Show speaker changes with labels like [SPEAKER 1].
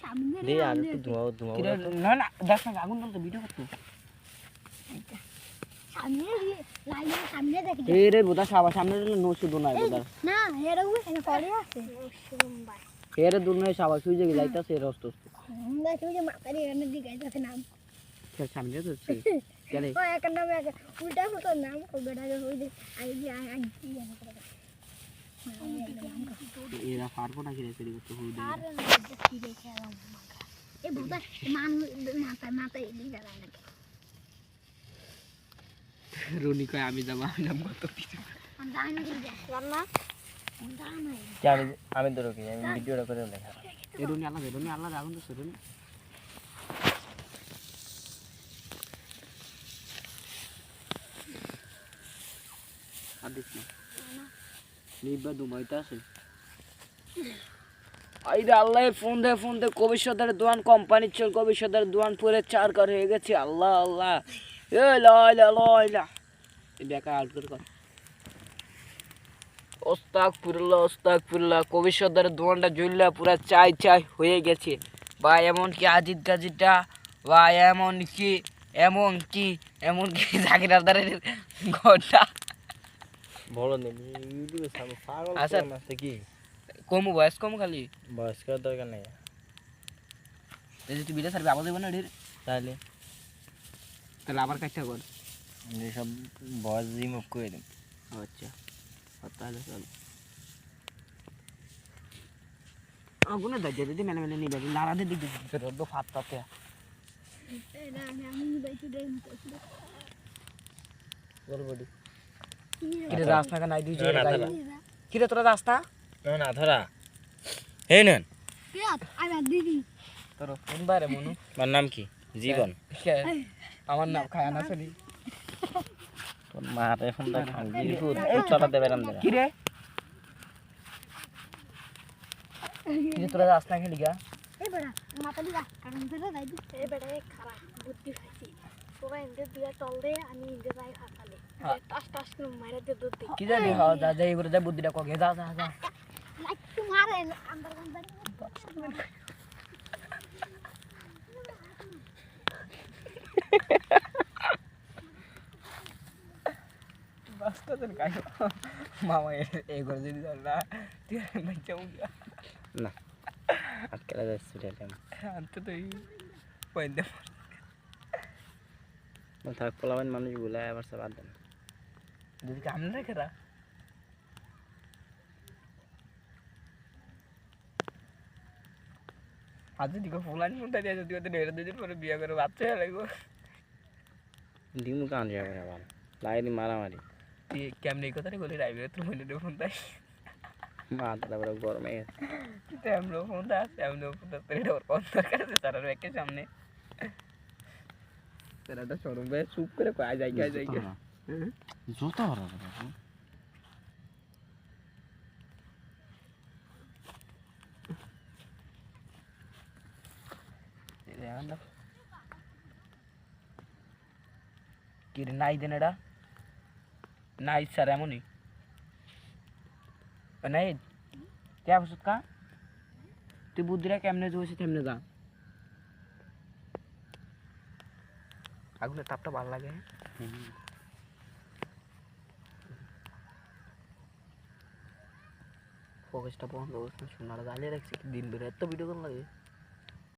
[SPEAKER 1] দে আর একটু ধোঁয়া
[SPEAKER 2] কিরে না না দেখ না আগুন জ্বলতো ভিডিও করতো
[SPEAKER 3] সামনে লাইনের সামনে দেখি
[SPEAKER 2] এই রে বোধা সবার সামনে নো শুধু নাই বোধা
[SPEAKER 3] না এরও এখানে পড়ে আছে সোমবার
[SPEAKER 2] এরে দূর নয় সবার সুই যে যাইতাছে এর অস্ত
[SPEAKER 3] আমরা তুই যে মাথারি এখানে দিকে যাচ্ছে নাম
[SPEAKER 2] খেল সামনে যাচ্ছে চলে
[SPEAKER 3] ও এক নামে এক উল্টা ফুটো নাম ও বেটা যে হই যে আই যে আই
[SPEAKER 2] এরা পারবো না কিরে ফেরি করতে হই
[SPEAKER 3] আর কি দেখে আলাম এ বুদা মান মাথায় দিকে যায় না
[SPEAKER 2] রনি কয় আমি যাব আমি নাম কত কিছু
[SPEAKER 3] আমি জানি না কি রান্না জানি
[SPEAKER 1] আমি ধরো কি আমি ভিডিওটা করে লেখা
[SPEAKER 2] এই রনি আল্লাহ আগুন তো রনি আদিস না নিবা দুবাইতে আছে আইরে আল্লাহ ফোন দে কবিশ্বরের দোয়ান কোম্পানির চল কবিশ্বরের দোয়ান পুরে 4 কর হয়ে গেছে আল্লাহ আল্লাহ এ লয়লা এই বেকা আউট কর ওস্তাগফিরুল্লাহ কবিশ্বরের দোয়ানটা জ্বললা পুরা চাই হয়ে গেছে বা এমন কি আজিদ গাজিটা বা এমন কি জাকিরদারের ঘরটা
[SPEAKER 1] বলো নে ইউটিউবে সামনে পাগল
[SPEAKER 2] আচ্ছা
[SPEAKER 1] আছে কি
[SPEAKER 2] কম বয়স কম খালি
[SPEAKER 1] বয়স করার দরকার নেই
[SPEAKER 2] এই যে তুই বিটা সার্ভে আবার দেব না ঢের
[SPEAKER 1] তাহলে
[SPEAKER 2] আবার কাটটা কর
[SPEAKER 1] যে সব বয়স রিমুভ করে দিন
[SPEAKER 2] আচ্ছা তাহলে চল আগুনে দাজ্জা দিদি মেলে নিবে নারাদে দিক দিতে রোদ ফাত পাতে
[SPEAKER 3] না আমি বাইতে দেই
[SPEAKER 1] বলবডি
[SPEAKER 2] কিরে রাস্তা কা নাই দুই যে কিরে তোরা রাস্তা
[SPEAKER 1] না ধরা এই নেন
[SPEAKER 3] কে আমি দিদি
[SPEAKER 2] তোর কোন বারে মনু
[SPEAKER 1] আমার নাম কি জীবন
[SPEAKER 2] আমার নাম খায়ানা শুনি
[SPEAKER 1] তোর মারে ফোন দা গিরিপুর চলা দেবে রাম দেবে
[SPEAKER 2] কিরে কিরে তোরা রাস্তা খেলি গা
[SPEAKER 3] এই বড়া মাথা দিবা কারণ ধরে দাই দি এই বড়া খারাপ বুদ্ধি খাইছি তোরা ইন্দে দিয়া চল দে আমি ইন্দে যাই হাতালে টাস করে মারে দে দুধ
[SPEAKER 2] কি জানি হ যা যাই করে যা বুদ্ধিটা কগে যা
[SPEAKER 3] লাইক টু মারে আন্দার আন্দার
[SPEAKER 2] বাস্তা তোর কাই মামা এই করে যদি না তুই বাচ্চা মুগা
[SPEAKER 1] না আজকাল যাচ্ছে রেলাম
[SPEAKER 2] আনতে তুই পয়েন্ট
[SPEAKER 1] থাক পোলাবেন মানুষ গুলায় আবার সব বাদ দেন
[SPEAKER 2] যদি কাম না খেরা আজ যদি ফুলান ফুলটা দিয়ে যদি ওদের ঢের দুদিন পরে বিয়ে করে বাচ্চা হয়ে লাগবো
[SPEAKER 1] ডিমু কান যাবে আবার লাইনি মারামারি
[SPEAKER 2] তুই কেমনি কথাটা বলি রাইবে তোর মনে ফোন তাই
[SPEAKER 1] মাথাটা বড় গরমে গেছে
[SPEAKER 2] তেমন ফোন দা তেমন ফোন দা তোর ওর কোন দরকার আছে তার একের সামনে তেরাটা শোরুম বে চুপ করে কয় যাই
[SPEAKER 1] জুতা হরা
[SPEAKER 2] কি রে নাই দেন এটা নাই স্যার এমনই নাই কে বসত কা তুই বুদ্ধিরা কেমনে জোছে তেমনে যা আগুনের তাপটা ভালো লাগে ফোকাসটা বন্ধ সোনারা জ্বালিয়ে রাখছি দিন বেড়ে এত ভিডিও কোন লাগে